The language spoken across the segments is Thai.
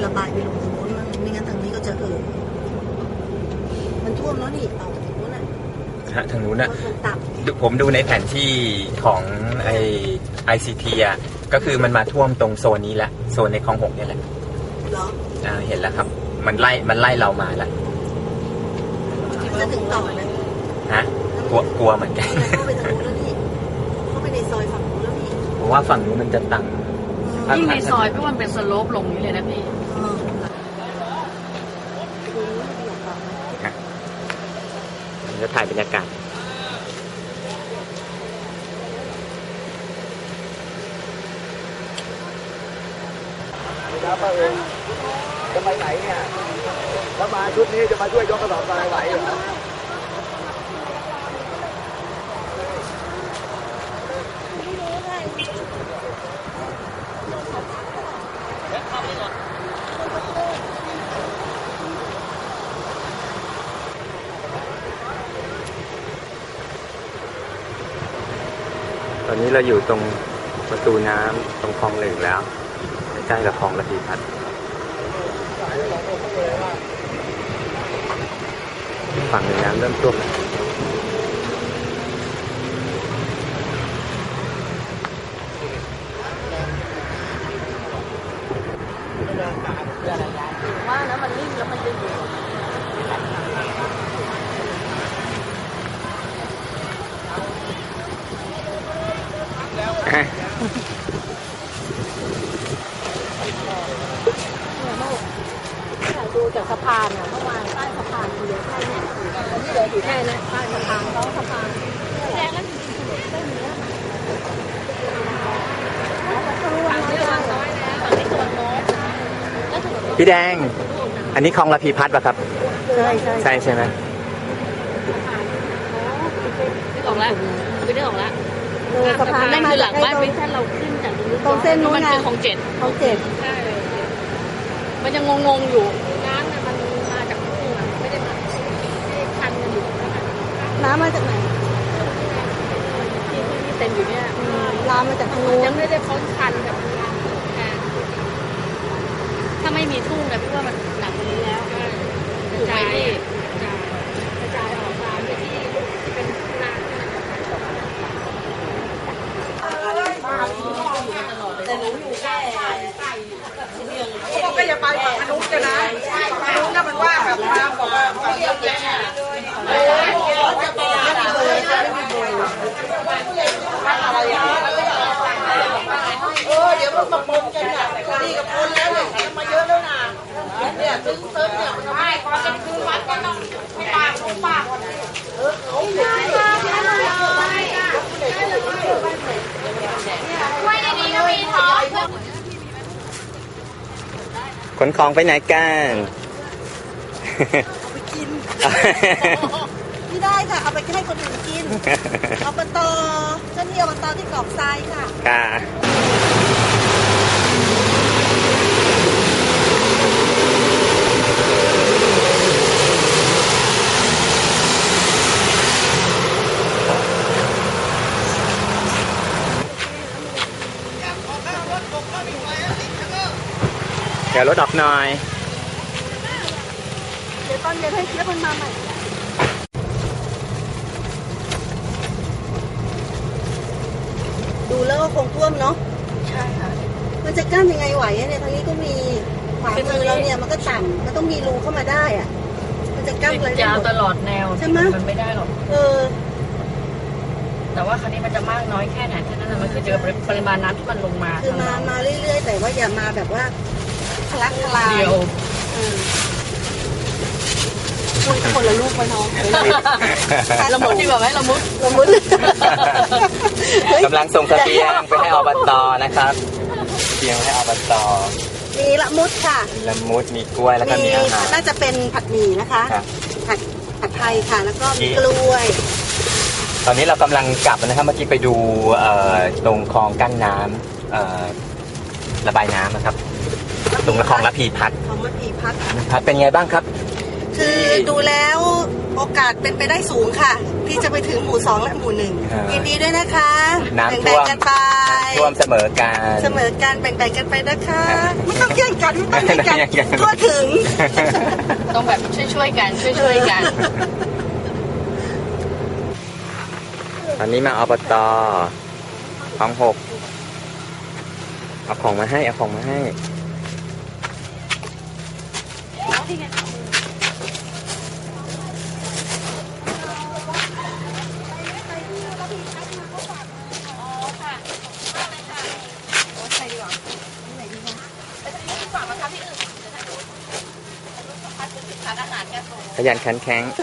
ระบายไปลงตรงนู้นมันไม่งั้นทางนี้ก็จะมันท่วมแล้วนี่ต่อจากนู้นน่ะทางนู้นน่ะตับผมดูในแผนที่ของICT อ่ะก็คือมันมาท่วมตรงโซนนี้แหละโซนในคลอง6เนี่ยแหละเหรอเห็นแล้วครับมันไล่เรามาแล้วจะถึงต่อไหมฮะกลัวเหมือนกันเข้าไปทางนู้นแล้วนี่เข้าไปในซอยฝั่งนู้นแล้วนี่ผมว่าฝั่งนู้นมันจะตังยิ่งในซอยพี่ว่ามันเป็นสโลปลงนี้เลยนะพี่จะถ่ายบรรยากาศครับป้าเองจะไปไหนเนี่ยถ้ามาชุดนี้จะมาช่วยยกกระสอบทรายไหวเหรอตอนนี้เราอยู่ตรงประตูน้ำตรงคลอง1แล้วใกล้กับคลองระพีพัฒน์ฝั่งน้ำเริ่มท่วมแล้วว่านะมันนิ่งแล้วมันจะอยู่ดูจากสะพานอ่ะเมื่อวานใต้สะพานเหลือแค่นี้เหลืออยู่แค่นี้ใต้สะพานเขาสะพานแดงแล้วจริงๆไม่มีแล้วฝั่งนี้วางน้อยแล้วฝั่งนี้ตัวน้อยพี่แดงอันนี้คลองระพีพัฒน์ป่ะครับใช่ไหมนึกออกแล้วนึกออกแล้วสะพานนั่นคือหลังบ้านเป็นแค่เราขึ้นจากตรงเส้นนู้นนะของ7ใช่มันยังงงอยู่น้ำเนี่ยมันมาจากทุ่งอ่ะไม่ได้มาคันกันอยู่น้ำมาจากไหนที่เต็มอยู่เนี่ยน้ำมาจากทางนู้นยังไม่ได้พ้นคันแบบถ้าไม่มีทุ่งนะพี่ว่ามันหนักกว่านี้แล้วถูกไหมพี่กระจายออกมาที่เป็นนาแต่หนูอยู่แค่เขาก็อย่าไปฝั่งมนุษย์กันนะมนุษย์น่ะมันว่าแบบมาบอกว่าฝั่งเดียวกันเดี๋ยวมันมาปนกันน่ะนี่กับปนแล้วเนี่ยมาเยอะแล้วนะเนี่ยซึ้งเนี่ยมันไม่พอจะคืนวัดก็ต้องปากเขาไม่ได้ดีก็มีท้องขนของไปไหนกันเอาไปกินไม่ได้ค่ะเอาไปให้คนอื่นกินอบต.เจ้าหน้าที่อบต.ที่กรอกทรายค่ะเดี๋ยวรถออกหน่อยเดี๋ยวตอนเย็นให้เชฟมันมาใหม่ดูแล้วก็คงท่วมเนาะใช่ค่ะมันจะกั้นยังไงไหวเนี่ยทางนี้ก็มีขวามือเราเนี่ยมันก็ต่ำมันต้องมีรูเข้ามาได้อ่ะมันจะกั้นอะไรยาวตลอดแนวใช่ไหมมันไม่ได้หรอกแต่ว่าครั้นี้มันจะมากน้อยแค่ไหนแค่นั้นมันคือเจอปริมาณน้ำที่มันลงมาคือมาเรื่อยๆแต่ว่าอย่ามาแบบว่าทะลักทลายเดียวคนละลูกไปน้องละมุดดีกว่าไหมละมุดกำลังส่งเสบียงไปให้อบต.นะครับเสบียงให้อบต. มีละมุดค่ะละมุดมีกล้วยแล้วก็มีอาหารน่าจะเป็นผัดหมี่นะคะผัดไทยค่ะแล้วก็มีกล้วยตอนนี้เรากำลังกลับนะครับเมื่อกี้ไปดูตรงคลองกั้นน้ำระบายน้ำนะครับตรงคลองระพีพัฒน์คลองระพีพัฒน์เป็นไงบ้างครับคือดูแล้วโอกาสเป็นไปได้สูงค่ะ ที่จะไปถึงหมู่ 2 และหมู่ 1 ยินดีด้วยนะคะน้ำแบ่ท่วงมๆกันไปท่วมเสมอกันเสมอกันแบ่งๆกันไปนะคะไม่ต้องแย่งกันไม่ต้องแย่งกันทั่วถึงต้องแบบช่วยๆกันช่วยๆกันตอนนี้มาอบตคลอง 6เอาของมาให้เอาของมาให้ขยันขันแข็ง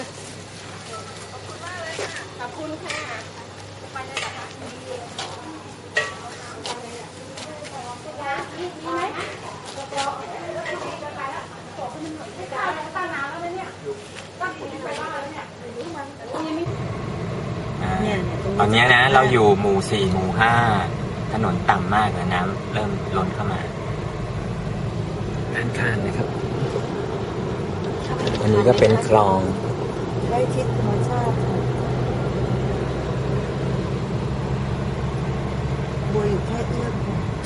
ตอนนี้นะเราอยู่หมู่ 4 หมู่ 5 ถนนต่ำมากแล้วน้ำเริ่มล้นเข้ามาด้านข้างนะครับ อันนี้ก็เป็นคลองใกล้ชิดธรรมชาติบัวอยู่แค่เอื้อม